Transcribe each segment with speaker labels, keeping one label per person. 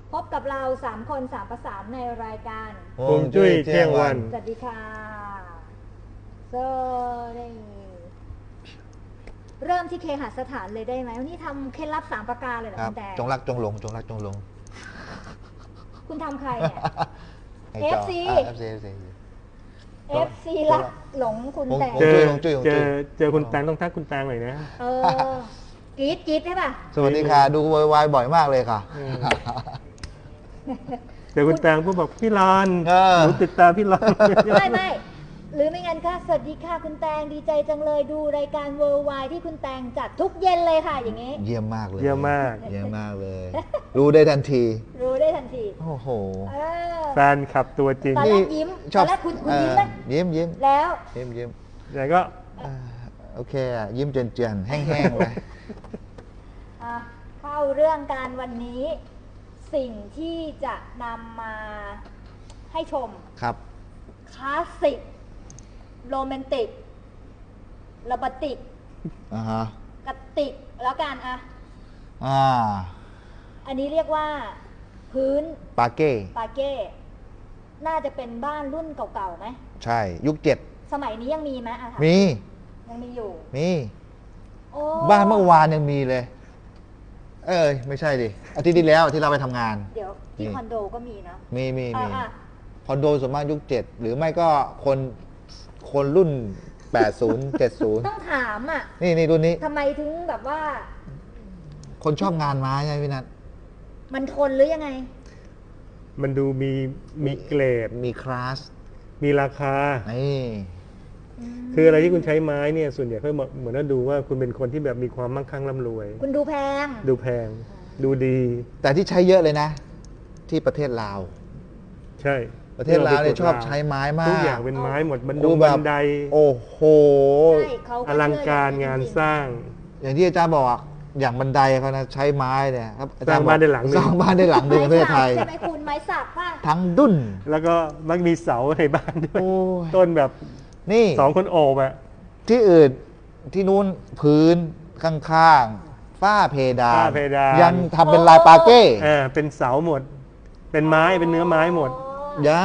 Speaker 1: พบกับเรา3 คน3 ประสานในรายการ
Speaker 2: ฮวงจุ้ยเที่ยงวัน
Speaker 1: สวัสดีค่ะสวัสดีเริ่มที่เคหสถานเลยได้ไหมวันนี้ทำเคล็ดลับ3 ประการเลยเหรอ
Speaker 2: ครับ
Speaker 1: คุณแต่
Speaker 2: จงรักจงหลงจงรักจงหลง
Speaker 1: คุณทำใครเนี่ย
Speaker 2: ไอ้จอ
Speaker 1: FC FC รักหลงคุณแต่
Speaker 2: ฮวงจุ้ย
Speaker 3: เจอคุณแตงต้องทักคุณแตงหน่อยนะ
Speaker 1: กรี๊ดใช่ป่ะ
Speaker 2: สวัสดีค่ะ ดูวายบ่อยมากเลยค่ะ
Speaker 3: เจอคุณแตงพวกบอกพี่รอน
Speaker 2: เออ
Speaker 3: หนูติดตามพี่รอน
Speaker 1: ไม่หรือไม่งั้นก็สวัสดีค่ะคุณแตงดีใจจังเลยดูรายการเวิร์ไวที่คุณแตงจัดทุกเย็นเลยค่ะอย่างงี้
Speaker 2: เยี่ยมมากเลย
Speaker 3: เยี่ยมมาก
Speaker 2: เยี่ยมมากเลย รู้ได้ทันที
Speaker 1: รู้ได้ทันที
Speaker 2: โอ้โห
Speaker 1: เออ
Speaker 3: แฟนขับตัวจริง
Speaker 1: ตอนแรกยิ้ม
Speaker 2: ชอบ
Speaker 1: ตอนแรกคุณยิ้มไหม
Speaker 2: ยิ้ม
Speaker 1: แล้ว
Speaker 2: ยิ้ม
Speaker 3: แต่ก็
Speaker 2: โอเคอ่ะยิ้มเจียนๆแห้งๆไป
Speaker 1: เข้าเรื่องการวันนี้ สิ่งที่จะนำมาให้ชม
Speaker 2: ครับ
Speaker 1: คลาสสิกโรแมนติกระบติก
Speaker 2: อ่าฮะ
Speaker 1: กติกแล้วกันอะ
Speaker 2: อ่า
Speaker 1: อันนี้เรียกว่า พื้น
Speaker 2: ปาเก้
Speaker 1: ปาเก้ น่าจะเป็นบ้านรุ่นเก่าๆไหม
Speaker 2: ใช่ยุคเจ็ด
Speaker 1: สมัยนี้ยังมีไหมอะถาม
Speaker 2: มี
Speaker 1: ยังมีอยู่
Speaker 2: มี
Speaker 1: โอ้
Speaker 2: บ้านเมื่อวานยังมีเลย ไม่ใช่ดิอาทิตย์ที่แล้วที่เราไปทำงาน
Speaker 1: เดี๋ยวที่
Speaker 2: นี่
Speaker 1: คอนโดก็มีนะ
Speaker 2: มี
Speaker 1: อ่ะ
Speaker 2: คอนโดส่วนมากยุค7หรือไม่ก็คนรุ่น 80 70
Speaker 1: ต้องถามอ่ะ
Speaker 2: นี่รุ่นนี้
Speaker 1: ทำไมถึงแบบว่า
Speaker 2: คนชอบงานไม้ใช่ไหมพี่นัท
Speaker 1: มันทนหรือยังไง
Speaker 3: มันดูมีเกรด
Speaker 2: มีคลาส
Speaker 3: มีราคา
Speaker 2: นี่
Speaker 3: คืออะไรที่คุณใช้ไม้เนี่ยส่วนใหญ่เขาเหมือนว่าดูว่าคุณเป็นคนที่แบบมีความมั่งคั่งร่ำรวย
Speaker 1: คุณดูแพง
Speaker 3: ดูแพง ดูดี
Speaker 2: แต่ที่ใช้เยอะเลยนะ ที่ประเทศลาว
Speaker 3: ใช่
Speaker 2: ประเทศลาวเนี่ยชอบใช้ไม้มาก
Speaker 3: ทุกอย่างเป็นไม้หมดบัน
Speaker 2: ดู
Speaker 3: ดง
Speaker 2: แบบ
Speaker 3: บันได
Speaker 2: โอ้โห
Speaker 1: ใช่เขา
Speaker 3: อลังการงานสร้าง
Speaker 2: อย่างที่อาจารย์บอกอะอย่างบันไดเขานะใช้ไม้เนี่ยครับอจ
Speaker 3: สร้างบ้านได้หลังหนึ่ง
Speaker 2: สร้างบ้านได้หลังหนึ่งในประเทศไทย
Speaker 1: ใช่ไหมคุณไม้สักป่ะ
Speaker 2: ทั้งดุ้น
Speaker 3: แล้วก็มักมีเสาในบ้านด้วย
Speaker 2: โอ้ย
Speaker 3: ต้นแบบ
Speaker 2: นี่
Speaker 3: 2 คนโอบอะ
Speaker 2: ที่อื่นที่นู้นพื้นข้างๆฝ้าเพดาน
Speaker 3: ฝ้าเพดาน
Speaker 2: ยังทำเป็นลายปาเก้
Speaker 3: เป็นเสาหมด เป็นไม้เป็นเนื้อไม้หมด
Speaker 2: ยัง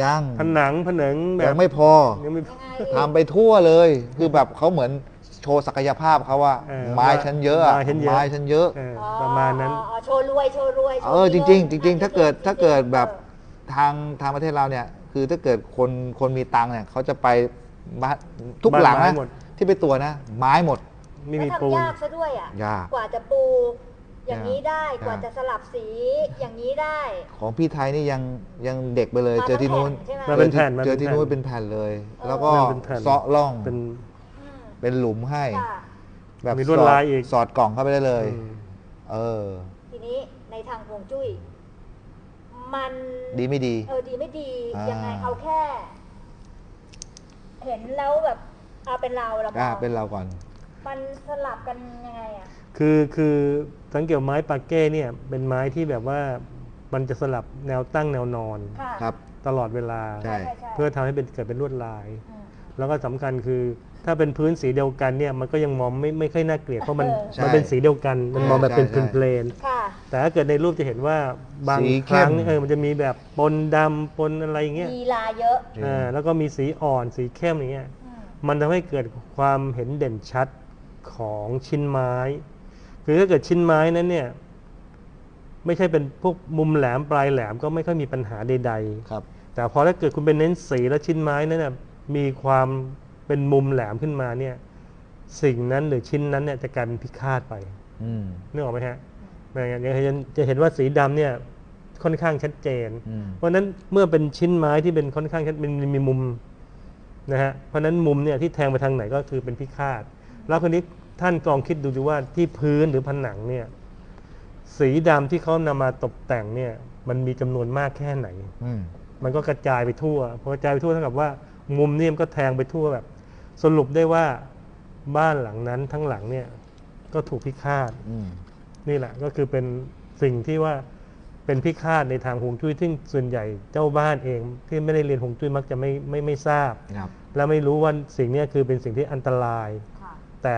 Speaker 3: ผนังแบ
Speaker 2: ยั
Speaker 3: บ
Speaker 2: งไม่พอ
Speaker 3: ยังไม่
Speaker 2: ทำไปทั่วเลย คือแบบเขาเหมือนโชว์ศักยภาพเขาว่า ไม้ฉันเยอะอะ
Speaker 3: ไม้ฉันเยอะ
Speaker 2: ไม้ฉันเยอะ
Speaker 3: ประมาณนั้น
Speaker 1: โชว์รวยโชว์รวย
Speaker 2: จริงๆถ้าเกิดแบบทางประเทศเราเนี่ย คือถ้าเกิดคนมีตังค์เนี่ยเขาจะไปบ้านทุกหลัง
Speaker 3: บ้านไม้
Speaker 2: นะ
Speaker 3: หมด
Speaker 2: ที่ไปตัวนะ ไม้หมด
Speaker 3: ไม่
Speaker 1: แล้ว
Speaker 3: มีปูน
Speaker 1: ทำยากซะด้วยอ่ะ
Speaker 2: ยาก
Speaker 1: กว่าจะปูอย่างนี้ได้
Speaker 2: ยาก
Speaker 1: กว่าจะสลับสีอย่างนี้ได้
Speaker 2: ของพี่ไทยนี่ยังเด็กไปเลย
Speaker 1: มา
Speaker 2: เจอที่นู้น
Speaker 1: เป็นแผ่นใช่ไหม
Speaker 3: มาเป็นแผ่น
Speaker 2: เจอที่นู้นเป็นแผ่นเลย แล้วก็
Speaker 3: เป็นแผ่น
Speaker 2: เซาะร่อง
Speaker 3: เป็น
Speaker 1: อืม
Speaker 2: เป็นหลุมให้
Speaker 1: ค่ะ
Speaker 2: แบบ
Speaker 3: มีลวดลายอีก
Speaker 2: สอดกล่องเข้าไปได้เลย
Speaker 3: อืม
Speaker 2: เออ
Speaker 1: ทีนี้ในทางฮวงจุ้ยมัน
Speaker 2: ดีไม่ดี
Speaker 1: ดีไม่ดี
Speaker 2: อ่ายั
Speaker 1: ยังไงเอาแค่ เห็นแล้วแบบเอาเป็นเรามอง
Speaker 2: เป็นเราก่อน
Speaker 1: มันสลับกันยังไงอ่ะ
Speaker 3: คือสังเกตไม้ปาเก้เนี่ยเป็นไม้ที่แบบว่ามันจะสลับแนวตั้งแนวนอน
Speaker 1: ค่ะ
Speaker 2: ครับ
Speaker 3: ตลอดเวลา
Speaker 2: ใช่
Speaker 3: เพื่อทำให้เกิดเป็นลวดลาย
Speaker 1: อืม
Speaker 3: แล้วก็สำคัญคือถ้าเป็นพื้นสีเดียวกันเนี่ยมันก็ยังมองไม่ค่อยน่าเกลียดเพราะมัน
Speaker 2: ใช่
Speaker 3: มันเป็นสีเดียวกัน มันมองแบบเป็น
Speaker 2: ใช่
Speaker 3: เพลน
Speaker 1: ค่ะ
Speaker 3: ๆแต่ถ้าเกิดในรูปจะเห็นว่าบาง
Speaker 2: สี
Speaker 3: ค
Speaker 2: เข้ม
Speaker 3: รั้งมันจะมีแบบปนดำปนอะไรอย่างเงี้ย
Speaker 1: มีลายเยอะ
Speaker 3: แล้วก็มีสีอ่อนสีเข้มอย่างเงี้ย
Speaker 1: อืม
Speaker 3: มันทำให้เกิดความเห็นเด่นชัดของชิ้นไม้ คือถ้าเกิดชิ้นไม้นั้นเนี่ยไม่ใช่เป็นพวกมุมแหลมปลายแหลมก็ไม่ค่อยมีปัญหาใด
Speaker 2: ครับ
Speaker 3: ๆแต่พอถ้าเกิดคุณเป็นเน้นสีแล้วชิ้นไม้นั้นน่ะมีความเป็นมุมแหลมขึ้นมาเนี่ยสิ่งนั้นหรือชิ้นนั้นเนี่ยจะกลายเป็นพิฆาตไป
Speaker 2: อืม
Speaker 3: นึกออกไหมฮะจะเห็นว่าสีดำเนี่ยค่อนข้างชัดเจน
Speaker 2: อืม
Speaker 3: เพราะฉะนั้นเมื่อเป็นชิ้นไม้ที่เป็นค่อนข้างชัดมีมุมนะฮะเพราะฉะนั้นมุมเนี่ยที่แทงไปทางไหนก็คือเป็นพิฆาตแล้วคนนี้ท่านลองคิดดูว่าที่พื้นหรือผนังเนี่ยสีดำที่เขานำมาตกแต่งเนี่ยมันมีจำนวนมากแค่ไหน
Speaker 2: อืม
Speaker 3: มันก็กระจายไปทั่วพอกระจายไปทั่วเท่ากับว่ามุมเนี่ยมันก็แทงไปทั่วแบบ สรุปได้ว่าบ้านหลังนั้นทั้งหลังเนี่ยก็ถูกพิฆาต
Speaker 2: อืม
Speaker 3: นี่แหละก็คือเป็นสิ่งที่ว่าเป็นพิฆาตในทางฮวงจุ้ยซึ่งส่วนใหญ่เจ้าบ้านเองที่ไม่ได้เรียนฮวงจุ้ยมักจะไม่ทราบ
Speaker 2: ครับ
Speaker 3: และไม่รู้ว่าสิ่งนี้คือเป็นสิ่งที่อันตราย
Speaker 1: ค่ะ
Speaker 3: แต่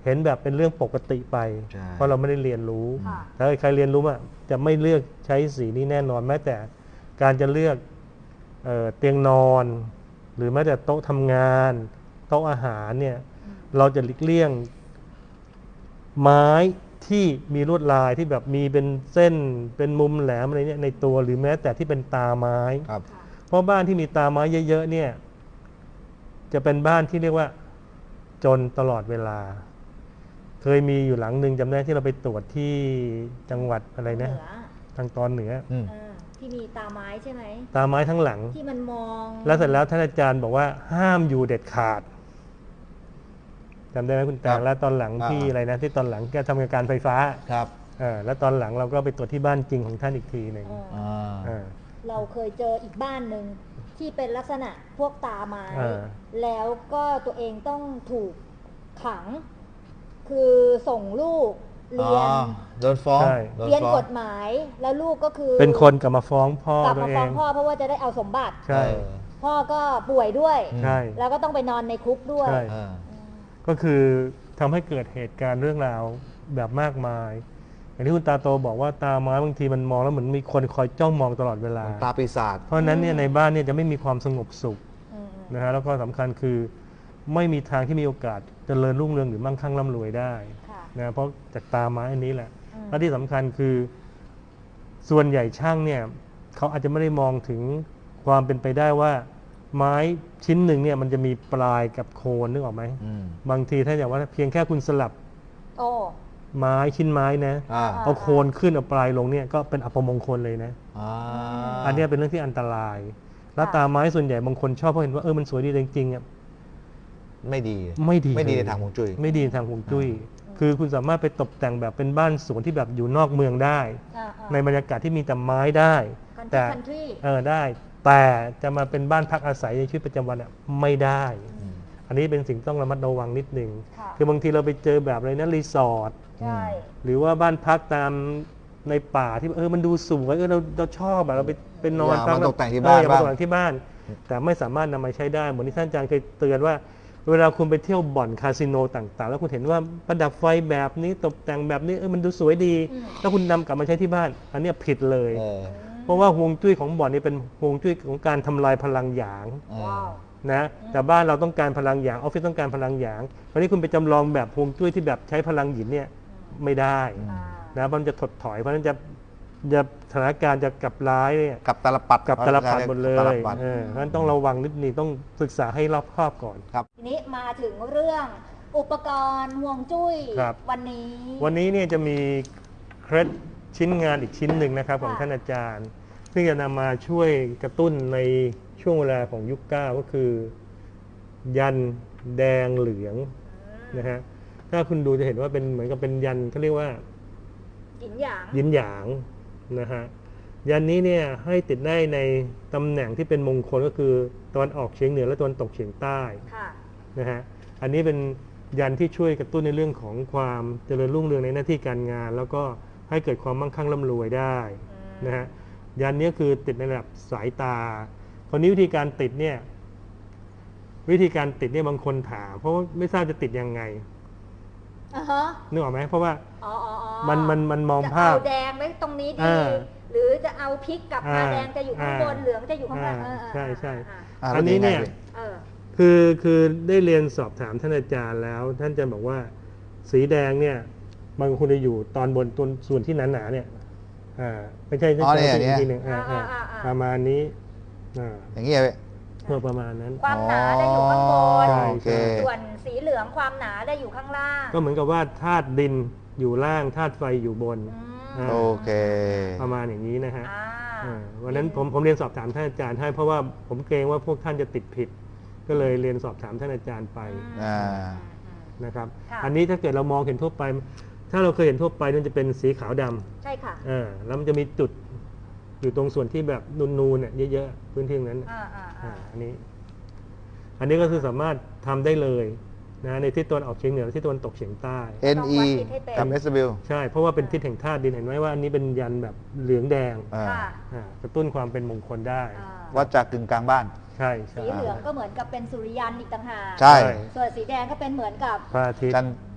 Speaker 3: เห็นแบบเป็นเรื่องปกติไป
Speaker 2: ใช่
Speaker 3: เพราะเราไม่ได้เรียนรู้
Speaker 1: ค่ะ
Speaker 3: ถ้าใครเรียนรู้อ่ะจะไม่เลือกใช้สีนี้แน่นอนแม้แต่การจะเลือกเตียงนอน หรือแม้แต่โต๊ะทำงานโต๊ะอาหารเนี่ยเราจะหลีกเลี่ยงไม้ที่มีลวดลายที่แบบมีเป็นเส้นเป็นมุมแหลมอะไรเนี่ยในตัวหรือแม้แต่ที่เป็นตาไม้
Speaker 2: ครับ
Speaker 1: ค่ะ
Speaker 3: เพราะบ้านที่มีตาไม้เยอะๆเนี่ยจะเป็นบ้านที่เรียกว่าจนตลอดเวลา เคยมีอยู่หลังหนึ่งจำได้ที่เราไปตรวจที่จังหวัดอะไรนะ
Speaker 1: เหนือ
Speaker 3: ทางตอนเหนือ
Speaker 2: อืม
Speaker 1: ที่มีตาไม้ใช่ไหม
Speaker 3: ตาไม้ทั้งหลัง
Speaker 1: ที่มันมอง
Speaker 3: แล้วเสร็จแล้วท่านอาจารย์บอกว่าห้ามอยู่เด็ดขาดจำได้ไหมคุณแต
Speaker 2: ครั
Speaker 3: ง
Speaker 2: บ
Speaker 3: แล้วตอนหลังที่
Speaker 2: อ่า
Speaker 3: อะไรนะที่ตอนหลังแกทำการไฟฟ้า
Speaker 2: ครับ
Speaker 3: แล้วตอนหลังเราก็ไปตรวจที่บ้านจริงของท่านอีกทีหนึ่ง
Speaker 2: อ่า
Speaker 3: อ่า
Speaker 1: เราเคยเจออีกบ้านหนึ่งที่เป็นลักษณะพวกตาไม้
Speaker 3: อ่า
Speaker 1: แล้วก็ตัวเองต้องถูกขัง คือส่งลูกเรียน
Speaker 2: โดนฟ้อง
Speaker 3: ใช่
Speaker 2: โดน
Speaker 1: เรียน
Speaker 2: ฟ้อง
Speaker 1: กฎหมาย แล้วลูกก็คือ
Speaker 3: เป็นคนกลับมาฟ้องพ่อก
Speaker 1: ลับ
Speaker 3: ตัว
Speaker 1: มา
Speaker 3: เอ
Speaker 1: ฟ้อง
Speaker 3: ง
Speaker 1: พ่อเพราะว่าจะได้เอาสมบัติ
Speaker 3: ใช่
Speaker 1: พ่อก็ป่วยด้วย
Speaker 2: อืม
Speaker 3: ใช่
Speaker 1: แล้วก็ต้องไปนอนในคุกด้วย
Speaker 3: ใช่
Speaker 2: อ่า
Speaker 3: ก็คือทำให้เกิดเหตุการณ์เรื่องราวแบบมากมาย อย่างที่คุณตาโตบอกว่าตาไม้บางทีมันมองแล้วเหมือนมีคนคอยจ้องมองตลอดเวลา
Speaker 2: ตาปีศาจ
Speaker 3: เพราะฉะนั้นเนี่ยในบ้านเนี่ยจะไม่มีความสงบสุข
Speaker 1: อืม
Speaker 3: นะฮะแล้วก็สำคัญคือไม่มีทางที่มีโอกาสเจริญรุ่งเรืองหรือมั่งคั่งร่ำรวยได้
Speaker 1: ค่ะ
Speaker 3: นะเพราะจากตาไม้อันนี้แหละ
Speaker 1: อืม
Speaker 3: และที่สำคัญคือส่วนใหญ่ช่างเนี่ยเขาอาจจะไม่ได้มองถึงความเป็นไปได้ว่า ไม้ชิ้นหนึ่งเนี่ยมันจะมีปลายกับโคนนึกออกไหม
Speaker 2: อืม
Speaker 3: บางทีถ้าอย่างว่าเพียงแค่คุณสลับ
Speaker 1: โอ้
Speaker 3: ไม้ชิ้นไม้นะ
Speaker 2: อ่า
Speaker 3: เอาโคนขึ้นเอาปลายลงเนี่ยก็เป็นอัปมงคลเลยนะ
Speaker 2: อ่า
Speaker 3: อันเนี้ยเป็นเรื่องที่อันตราย แล้วตาไม้ส่วนใหญ่บางคนชอบเพราะเห็นว่ามันสวยดีแต่จริงๆอ่ะ
Speaker 2: ไม่ดี
Speaker 3: ไม่ดี
Speaker 2: ไม่ดี
Speaker 3: เล
Speaker 2: ใน
Speaker 3: ย
Speaker 2: ทางฮวงจุ้ย
Speaker 3: ไม่ดีในทางฮวงจุ้ยคือคุณสามารถไปตกแต่งแบบเป็นบ้านสวนที่แบบอยู่นอกเมืองได้ ในบรรยากาศที่มีแต่ไม้ได้ แต่
Speaker 1: คันทรี
Speaker 3: ได้ แต่จะมาเป็นบ้านพักอาศัยในชีวิตประจำวันอ่ะไม่ได้ อันนี้เป็นสิ่งต้องระมัดระวังนิดนึง
Speaker 1: ค่ะ
Speaker 3: คือบางทีเราไปเจอแบบอะไรนะรีสอร์ท
Speaker 1: ใช่
Speaker 3: หรือว่าบ้านพักตามในป่าที่มันดูสวยเราชอบแบบเราไปนอน
Speaker 2: อยาก
Speaker 3: พัก
Speaker 2: มาตกแต่งที่บ้าน
Speaker 3: อยากมา
Speaker 2: บ้าง
Speaker 3: ตกแต่งที่บ้าน แต่ไม่สามารถนำมาใช้ได้เหมือนที่ท่านอาจารย์เคยเตือนว่า เวลาคุณไปเที่ยวบ่อนคาสิโนต่างๆ แล้วคุณเห็นว่าประดับไฟแบบนี้ตกแต่งแบบนี้มันดูสวยดี แล้วคุณนำกลับมาใช้ที่บ้าน อันเนี้ยผิดเลย
Speaker 2: เออ
Speaker 3: เพราะว่าฮวงจุ้ยของบ่อนนี่เป็นฮวงจุ้ยของการทำลายพลังหยาง
Speaker 2: เออ
Speaker 1: ว้าว
Speaker 3: นะแต่บ้านเราต้องการพลังหยางออฟฟิศต้องการพลังหยางวันนี้คุณไปจำลองแบบฮวงจุ้ยที่แบบใช้พลังหยินเนี่ยไม่ได้
Speaker 1: อ่า
Speaker 3: นะมันจะถดถอยเพราะฉะนั้นจะสถานการณ์จะกลับร้ายเนี่ย
Speaker 2: กับตาลปัด
Speaker 3: กับตลปัดหมดเล
Speaker 2: ตาล
Speaker 3: ย
Speaker 2: ปัด
Speaker 3: เพราะฉะนั้นต้องระวังนิดนึงต้องศึกษาให้รอบคอบก่อน
Speaker 2: ครับ
Speaker 1: ทีนี้มาถึงเรื่องอุปกรณ์ห่วงจุ้ย
Speaker 3: ครับ
Speaker 1: วันนี้
Speaker 3: วันนี้เนี่ยจะมีเคล็ดชิ้นงานอีกชิ้นหนึ่งนะครับของ
Speaker 1: ค่ะ
Speaker 3: ท่านอาจารย์ซึ่งจะนำมาช่วยกระตุ้นในช่วงเวลาของยุคเก้าก็คือ ยันแดงเหลืองนะฮะถ้าคุณดูจะเห็นว่าเป็นเหมือนกับเป็นยันเขาเรียกว่า
Speaker 1: หยินหยาง
Speaker 3: ยินหยางนะฮะยันนี้เนี่ยให้ติดได้ในตำแหน่งที่เป็นมงคลก็คือตะวันออกเฉียงเหนือและตะวันตกเฉียงใต้
Speaker 1: ค่ะ
Speaker 3: นะฮะอันนี้เป็นยันที่ช่วยกระตุ้นในเรื่องของความเจริญรุ่งเรืองในหน้าที่การงาน แล้วก็ให้เกิดความมั่งคั่งร่ำรวยได้นะฮะยันนี้คือติดในระดับสายตาคราวนี้วิธีการติดเนี่ยบางคนถามเพราะว่าไม่ทราบจะติดยังไง
Speaker 1: อ่าฮะ
Speaker 3: นึกออกไหมเพราะว่า
Speaker 1: อ๋อ
Speaker 3: มันมอง
Speaker 1: จะ
Speaker 3: ภาพ
Speaker 1: เอาแดงไว้ตรงนี้ดี
Speaker 3: อ่า
Speaker 1: หรือจะเอาพริกกับมา
Speaker 3: อ่า
Speaker 1: แดงจะอยู่ข้างบน
Speaker 3: อ่า
Speaker 1: เหลืองจะอยู่ข้างล่าง
Speaker 3: ใช่ใช่
Speaker 1: อ่า
Speaker 3: อันนี้เนี่ย
Speaker 1: เออ
Speaker 3: คือได้เรียนสอบถามท่านอาจารย์แล้ว ท่านอาจารย์บอกว่า สีแดงเนี่ยบางคนจะอยู่ตอนบนต้นส่วนที่หนาๆเนี่ยไม่ใช่
Speaker 2: อ๋อเนี่ย
Speaker 3: อีกทีหนึ่งประมาณนี้
Speaker 2: อย่างเงี้ยเว้ย
Speaker 3: ประมาณนั้น
Speaker 1: ความหนาจะอยู่ข้างบน
Speaker 3: ใช่
Speaker 2: โอเค
Speaker 1: ส่วนสีเหลืองความหนาจะอยู่ข้างล่าง
Speaker 3: ก็เหมือนกับว่าธาตุดินอยู่ล่างธาตุไฟอยู่บน
Speaker 1: อืม
Speaker 2: โอเค
Speaker 3: ประมาณอย่างนี้นะฮะ
Speaker 1: อ่า
Speaker 3: วันนั้นผมเรียนสอบถามท่านอาจารย์ให้เพราะว่าผมเกรงว่าพวกท่านจะติดผิด ก็เลยเรียนสอบถามท่านอาจารย์ไป
Speaker 2: อ่า
Speaker 3: นะครับ
Speaker 1: ค่ะ
Speaker 3: อันนี้ถ้าเกิดเรามองเห็นทั่วไป ถ้าเราเคยเห็นทั่วไปมันจะเป็นสีขาวดำ
Speaker 1: ใช่ค่ะ
Speaker 3: แล้วมันจะมีจุดอยู่ตรงส่วนที่แบบนูนๆเนี่ยเยอะๆพื้นที่ตรงนั้น อันนี้ก็คือสามารถทำได้เลยนะในทิศตะวันออกเฉียงเหนือและทิศตะวันตกเฉียงใต้
Speaker 2: NE กับ SW
Speaker 3: ใช่เพราะว่าเป็นทิศแห่งธาตุดินเห็นไหมว่าอันนี้เป็นยันแบบเหลืองแดง
Speaker 2: อ่า
Speaker 1: ค่ะ
Speaker 3: กระตุ้นความเป็นมงคลได้
Speaker 1: อ่า
Speaker 2: วัดจากกึ่งกลางบ้าน
Speaker 3: ใช่ใช่
Speaker 1: สีเหลืองก็เหมือนกับเป็นสุริยันอีกต่างหาก
Speaker 2: ใช่
Speaker 1: ส่วนสีแดงก็เป็นเหมือนกับ
Speaker 3: พระอาทิตย์
Speaker 2: จันทร์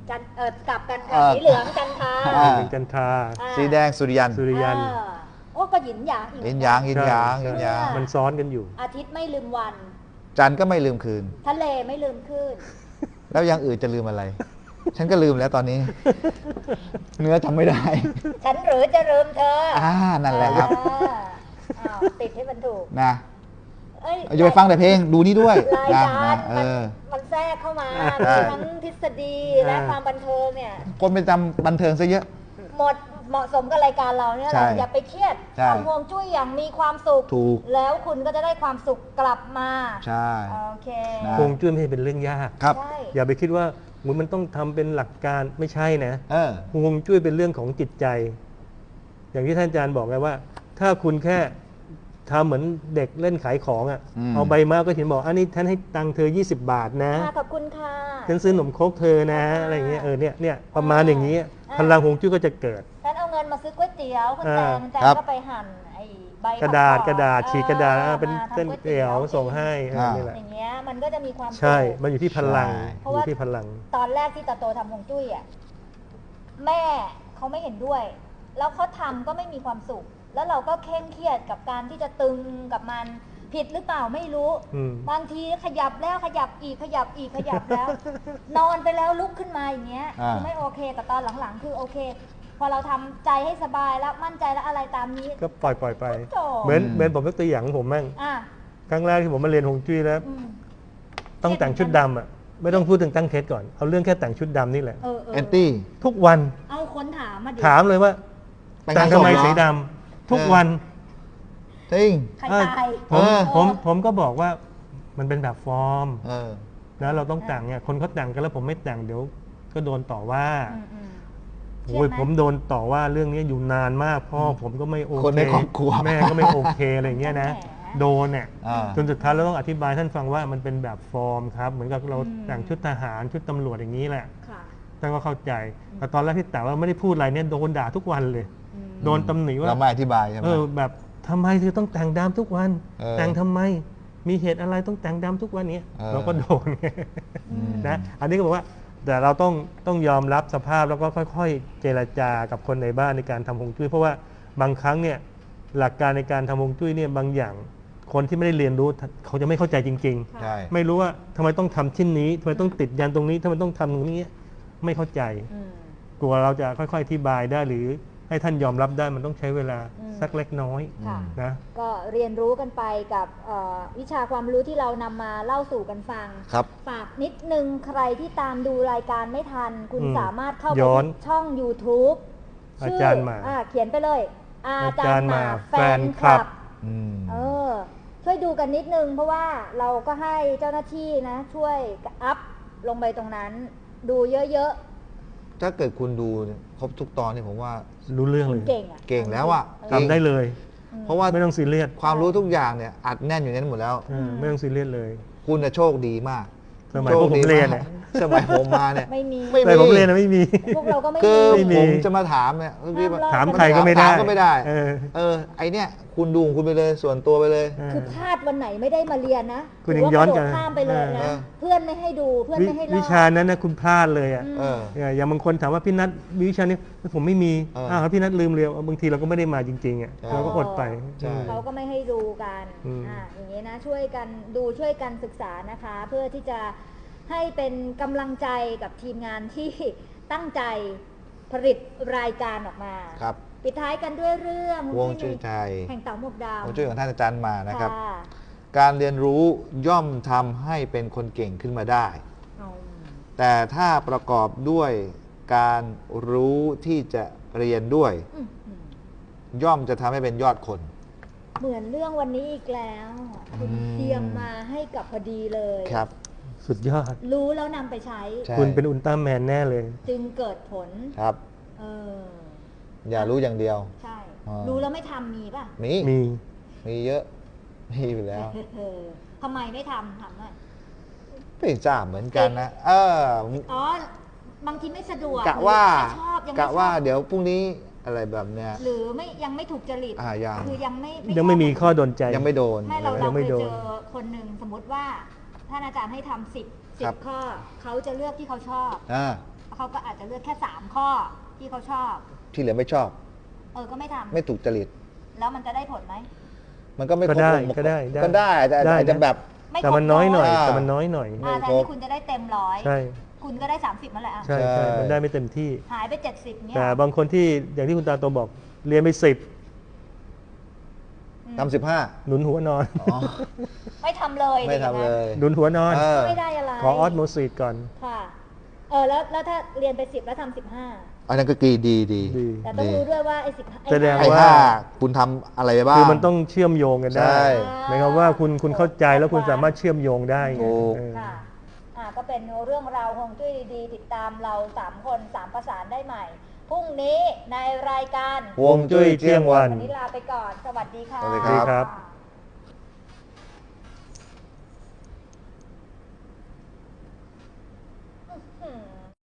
Speaker 1: กลับกันค่ะสีเหลืองจันทรา
Speaker 2: อ่า
Speaker 3: เป็นจันทรา
Speaker 2: สีแดงสุริยัน
Speaker 3: สุริยัน
Speaker 1: โอ้ก็หยินหยางอีก
Speaker 2: ยินยางยินยาง
Speaker 3: ใช่
Speaker 2: ยินยาง
Speaker 3: มันซ้อนกันอยู่
Speaker 1: อาทิตย์ไม่ลืมวัน
Speaker 2: จันทร์ก็ไม่ลืมคืน
Speaker 1: ทะเลไม่ลืมคลื่น
Speaker 2: แล้วอย่างอื่นจะลืมอะไร ฉันก็ลืมแล้วตอนนี้ เนื้อจำไม่ได้
Speaker 1: ฉันหรือจะลืมเธอ
Speaker 2: นั่นแหละครับ
Speaker 1: อ้าวติดให้มันถูก
Speaker 2: นะ
Speaker 1: เอ้ย
Speaker 2: อย่าไปฟังแต่เพลงดูนี่ด้วย
Speaker 1: ราย
Speaker 2: นะ
Speaker 1: การ มันแทรกเข้ามา
Speaker 2: ใช่
Speaker 1: มีทั้งทฤษฎีและความบันเทิงเนี่ย
Speaker 2: คนไปจำบันเทิงซะเยอะ
Speaker 1: เหมาะสมกับรายการเราเนี่ยแห
Speaker 2: ใช่
Speaker 1: ละอย่าไปเครียด
Speaker 2: ใช่
Speaker 1: ทำฮวงจุ้ยอย่างมีความสุข
Speaker 2: ถูก
Speaker 1: แล้วคุณก็จะได้ความสุขกลับมา
Speaker 2: ใช่
Speaker 1: โอเค
Speaker 2: นะ
Speaker 3: ฮวงจุ้ยไม่ใช่เป็นเรื่องยาก
Speaker 2: ครับ
Speaker 1: ใช่
Speaker 3: อย่าไปคิดว่ามันต้องทำเป็นหลักการไม่ใช่นะ
Speaker 2: เออ
Speaker 3: ฮวงจุ้ยเป็นเรื่องของจิตใจ อย่างที่ท่านอาจารย์บอกไงว่า ถ้าคุณแค่ทำเหมือนเด็กเล่นขายของอ่ะ
Speaker 2: อืม
Speaker 3: เอาใบมาก็เห็นบอกอันนี้ท่านให้ตังค์เธอ 20 บาทนะ
Speaker 1: ค่ะขอบคุณค่ะ
Speaker 3: ฉันซื้อขนมครกเธอนะอะไรอย่างเงี้ยเนี่ยประมาณอย่างนี้พลังฮวงจุ้ยก็จะเกิด
Speaker 1: ฉันเอาเงินมาซื้อก๋วยเตี๋ยวคุณแตง
Speaker 2: ครับ
Speaker 1: ก็ไปหั่นไอ้ใบ
Speaker 3: กระดาษ
Speaker 1: ผั
Speaker 3: กระดาษ
Speaker 1: ออ
Speaker 3: ฉีกกระดาษเป็น
Speaker 1: มาทำ
Speaker 3: เส้นเตี๋ยวส่งให้นี่แหละ
Speaker 1: อย่างเงี้ยมันก็จะมีความสุข
Speaker 3: ใช่ มันอยู่ที่พลัง
Speaker 2: ใช่
Speaker 1: เพราะ
Speaker 3: อ
Speaker 1: ว่า
Speaker 3: ยู่ที่พลัง
Speaker 1: ตอนแรกที่ตาโตทำฮวงจุ้ยอ่ะแม่เขาไม่เห็นด้วย แล้วเขาทำก็ไม่มีความสุข แล้วเราก็เคร่งเครียดกับการที่จะตึงกับมันผิดหรือเปล่าไม่รู้
Speaker 3: อืม
Speaker 1: บางทีขยับแล้วขยับอีกขยับอีกขยับแล้ว นอนไปแล้วลุกขึ้นมาอย่างเงี้ย
Speaker 2: อ่า
Speaker 1: คือไม่โอเคแต่ตอนหลังๆ คือโอเค พอเราทำใจให้สบายแล้วมั่นใจแล้วอะไรตามนี้
Speaker 3: ก็ปล่อยไป
Speaker 1: จบ
Speaker 3: เหมือนผมยกตัวอย่างของผมบ้าง
Speaker 1: อ่ะ
Speaker 3: ครั้งแรกที่ผมมาเรียนฮวงจุ้ยแล้ว
Speaker 1: อืม
Speaker 3: ต้องแต่งชุดดำอ่ะไม่ต้องพูดถึงตั้งเคสก่อนเอาเรื่องแค่แต่งชุดดำนี่แหละ
Speaker 1: เออ
Speaker 2: แอนตี้
Speaker 3: ทุกวัน
Speaker 1: เอาคนถามมาดิ
Speaker 3: ถามเลยว่า
Speaker 2: แต่ง
Speaker 3: แต่งทำไม
Speaker 2: งานศพเหรอ
Speaker 3: สีดำทุกวัน
Speaker 2: จริง
Speaker 1: ใครตาย
Speaker 3: ผม
Speaker 2: เออ
Speaker 3: ผมก็บอกว่ามันเป็นแบบฟอร์ม
Speaker 2: เออ
Speaker 3: นะเราต้องแต่งเนี่ยคนเขาแต่งกันแล้วผมไม่แต่งเดี๋ยวก็โดนต่อว่า
Speaker 1: อืม
Speaker 3: โอ้ย
Speaker 1: เครียดไหม
Speaker 3: ผมโดนต่อว่าเรื่องนี้อยู่นานมากพ่อผมก็ไม่โอเค
Speaker 2: คนในครอบครัว
Speaker 3: แม่ก็ไม่โอเคอะไรอย่างเงี้ยนะ
Speaker 1: แหม
Speaker 3: โดนเนี่ย
Speaker 2: อ่า
Speaker 3: จนสุดท้ายเราต้องอธิบายท่านฟังว่ามันเป็นแบบฟอร์มครับเหมือนกับเรา
Speaker 1: อืม
Speaker 3: แต่งชุดทหารชุดตำรวจอย่างนี้แหละ
Speaker 1: ค่ะ
Speaker 3: ท่านก็เข้าใจแต่ตอนแรกที่แต่ว่าไม่ได้พูดอะไรเนี่ยโดนด่าทุกวันเลย
Speaker 1: อืม
Speaker 3: โดนตำหนิว่า
Speaker 2: เราไม่อธิบายใช่ไหม
Speaker 3: แบบทำไมเธอต้องแต่งดำทุกวัน
Speaker 2: เออ
Speaker 3: แต่งทำไมมีเหตุอะไรต้องแต่งดำทุกวันเนี้ย
Speaker 2: เออ
Speaker 3: เราก็โดน
Speaker 2: อืม
Speaker 3: นะอันนี้ก็บอกว่าแต่เราต้องยอมรับสภาพแล้วก็ค่อยๆ เจรจากับคนในบ้านในการทำฮวงจุ้ยเพราะว่าบางครั้งเนี่ยหลักการในการทำฮวงจุ้ยเนี่ยบางอย่างคนที่ไม่ได้เรียนรู้เขาจะไม่เข้าใจจริง
Speaker 2: ใช่
Speaker 3: ๆ ไม่รู้ว่าทำไมต้องทำชิ้นนี้ทำไมต้องติดยันตรงนี้ทำไมต้องทำตรงนี้ไม่เข้าใจ
Speaker 1: อืม
Speaker 3: กลัวเราจะค่อยๆอธิบายได้หรือให้ท่านยอมรับได้มันต้องใช้เวลา
Speaker 1: อืม
Speaker 3: สักเล็กน้อย
Speaker 1: ค่ะ
Speaker 3: นะ
Speaker 1: ก็เรียนรู้กันไปกับวิชาความรู้ที่เรานำมาเล่าสู่กันฟัง
Speaker 2: ครับ
Speaker 1: ฝากนิดนึงใครที่ตามดูรายการไม่ทัน คุณ
Speaker 3: อืม
Speaker 1: สามารถเข้าไป
Speaker 3: ย้อน
Speaker 1: ที่ช่อง YouTube
Speaker 3: อาจารย์หมา
Speaker 1: เขียนไปเลย อาจารย์หมา
Speaker 3: อาจารย์หมา
Speaker 1: แฟนคลับ
Speaker 2: อืม
Speaker 1: ช่วยดูกันนิดนึง เพราะว่าเราก็ให้เจ้าหน้าที่นะ ช่วยอัพลงไปตรงนั้น ดูเยอะ
Speaker 2: ถ้าเกิดคุณดูเนี่ยครบทุกตอนเนี่ยผมว่า
Speaker 3: รู้เรื่อง
Speaker 1: ๆ
Speaker 3: เล
Speaker 1: คุณ
Speaker 3: ย
Speaker 1: เก่งอ่ะ
Speaker 2: เก่งแล้วอะ
Speaker 1: เ
Speaker 2: จริง
Speaker 3: ทำได้เลย
Speaker 2: เพราะว่า
Speaker 3: ไม่ต้องซีเรียส
Speaker 2: ความรู้ทุกอย่างเนี่ยอัดแน่นอยู่ในนั้นหมดแล้ว
Speaker 3: ไม่ต้องซีเรียสเลย
Speaker 2: คุณน่ะโชคดีมาก
Speaker 3: สมัยพวกผมเรียน
Speaker 2: โชคดี
Speaker 3: เนี่ย
Speaker 2: มากสมัยผมมาเนี่ย
Speaker 1: ไม่มี
Speaker 2: ไม่
Speaker 3: สมัยผมเรียนนะไม่มี
Speaker 1: พวกเราก็ไม่
Speaker 2: คือ
Speaker 1: มี
Speaker 3: ไม่มี
Speaker 2: ผมจะมาถามเนี่ยพี่
Speaker 1: ห้ามลอก
Speaker 3: ถามใครก็ไม่ได้
Speaker 2: ถามก็ไม่ได้
Speaker 3: เออ
Speaker 2: ไอเนี่ยคุณดูของคุณไปเลยส่วนตัวไปเลย
Speaker 1: คือพลาดวันไหนไม่ได้มาเรียนนะ
Speaker 3: คุณยังย้อนกลับ
Speaker 1: ถืว่าระโดดข้ามไปเลยนะ
Speaker 2: เออ
Speaker 1: เพื่อนไม่ให้ดูเพื่อนไม่ให้เล่า
Speaker 3: วิชานั้นนะคุณพลาดเลยอ่ะ
Speaker 2: เออ
Speaker 3: อย่างบางคนถามว่าพี่นัทมีวิชานี้ผมไม่มี
Speaker 2: เออ
Speaker 3: แล้วพี่นัทลืมเรียนบางทีเราก็ไม่ได้มาจริงๆอ่ะ
Speaker 2: เออ
Speaker 3: เราก็อดไป
Speaker 2: ใช่
Speaker 1: เขาก็ไม่ให้ดูกัน
Speaker 3: อืม
Speaker 1: อย่างนี้นะช่วยกันดูช่วยกันศึกษานะคะ เพื่อที่จะให้เป็นกำลังใจกับทีมงานที่ตั้งใจผลิตรายการออกมา
Speaker 2: ครับ
Speaker 1: ปิดท้ายกันด้วยเรื่อง
Speaker 2: วงจุ้ยไทย
Speaker 1: แห่งเต่าหมวกดาว
Speaker 2: วงจุ้ยของท่านอาจารย์มานะครับ
Speaker 1: ค่ะ
Speaker 2: การเรียนรู้ย่อมทำให้เป็นคนเก่งขึ้นมาได้
Speaker 1: เอา
Speaker 2: แต่ถ้าประกอบด้วยการรู้ที่จะเรียนด้วย
Speaker 1: อืม
Speaker 2: ย่อมจะทำให้เป็นยอดคน
Speaker 1: เหมือนเรื่องวันนี้อีกแล้วคุณ
Speaker 2: อืม
Speaker 1: เตรียมมาให้กับพอดีเลย
Speaker 2: ครับ
Speaker 3: สุดยอด
Speaker 1: รู้แล้วนำไปใช้
Speaker 2: ใช่
Speaker 3: คุณเป็นอุลตร้าแมนแน่เลย
Speaker 1: จึงเกิดผล
Speaker 2: ครับ
Speaker 1: เออ
Speaker 2: อย่ารู้อย่างเดียว
Speaker 1: ใช่
Speaker 2: อ่ารู้
Speaker 1: รู้แล้วไม่ทำมีป่ะ
Speaker 2: มี
Speaker 3: มี
Speaker 2: มีเยอะ มีอยู่แล้ว
Speaker 1: ทำไมไม่ทำหน่อย
Speaker 2: ไม่ทราบเหมือนกันนะ
Speaker 1: อ๋อ บางทีไม่สะดวก
Speaker 2: กะว่า
Speaker 1: หรือไม่ชอบยังไม่
Speaker 2: กะว่า
Speaker 1: ชอบ
Speaker 2: เดี๋ยวพรุ่งนี้อะไรแบบเนี้ย
Speaker 1: หรือไม่ยังไม่ถูกจริต
Speaker 2: ยัง
Speaker 1: คือยังไม่
Speaker 3: ยังไม่มีข้อโดนใจ
Speaker 2: ยังไม่โดน
Speaker 1: ไม่เรา
Speaker 3: ยั
Speaker 1: เรา
Speaker 3: ง
Speaker 1: เค
Speaker 3: ไม่
Speaker 1: ย
Speaker 3: โดน
Speaker 1: เจอคนหนึ่งสมมติว่าท่านอาจารย์ให้ทำ10
Speaker 2: ครับ
Speaker 1: ข้อเขาจะเลือกที่เขาชอบ
Speaker 2: อ่า
Speaker 1: เขาก็อาจจะเลือกแค่3ข้อที่เขาชอบ
Speaker 2: ที่เหลือไม่ชอบ
Speaker 1: ก็ไม่ทำ
Speaker 2: ไม่ถูกจริต
Speaker 1: แล้วมันจะได้ผลไหม
Speaker 2: มันก็ไม่ครบ
Speaker 3: ก็ได้
Speaker 2: องค์ประอบ
Speaker 3: ก็ได้
Speaker 2: ก็ได้แต่
Speaker 3: ได้
Speaker 2: อาจจะ
Speaker 3: นะ
Speaker 2: แบบ
Speaker 1: ไม่ครบ
Speaker 3: แต่มันน้อยหน่อย
Speaker 2: อ่า
Speaker 3: แต่มันน้อยหน่อย
Speaker 1: แทนที่คุณจะได้เต็มร้อย
Speaker 3: ใช่
Speaker 1: คุณก็ได้ 30นั่นแหละอ่ะ
Speaker 3: ใช่
Speaker 2: ใช่
Speaker 3: ใช่มันได้ไม่เต็มที่
Speaker 1: หายไป70เนี่ย
Speaker 3: แต่บางคนที่อย่างที่คุณตาโตบอกเรียนไป10
Speaker 2: ทำ15
Speaker 3: หนุนหัวนอน
Speaker 2: อ๋อ
Speaker 1: ไม่ทำเลย
Speaker 2: ไม่ทำเลย
Speaker 3: หนุนหัวนอน
Speaker 2: เออ
Speaker 1: ไม่ได้อะไร
Speaker 3: ขอออสโมซิสก่อน
Speaker 1: ค่ะแล้วถ้าเรียนไป10แล้วทำ15
Speaker 2: อันนั้นก็ดี
Speaker 3: ดี
Speaker 1: แต่ต้องรู้ด้วยว่าไอ้15
Speaker 3: แสดง
Speaker 2: ไอ้
Speaker 3: ว่า
Speaker 2: ห้าคุณทำอะไรไปบ้าง
Speaker 3: คือมันต้องเชื่อมโยงกันได้
Speaker 2: ใช่
Speaker 3: หมายความว่าคุณเข้าใจแล้วคุณสามารถเชื่อมโยงได้ไง
Speaker 2: ถูก
Speaker 3: เออ
Speaker 1: ค่ะก็เป็นเรื่องราวฮวงจุ้ยดีๆติดตามเรา3คน3ประสานได้ใหม่พรุ่งนี้ในรายการ
Speaker 2: ฮวงจุ้ยเที่ยงวัน
Speaker 1: วันนี้ลาไปก่อน สวัสดีค่ะ
Speaker 2: สวัสดี
Speaker 3: ดีครับ
Speaker 1: ค่ะ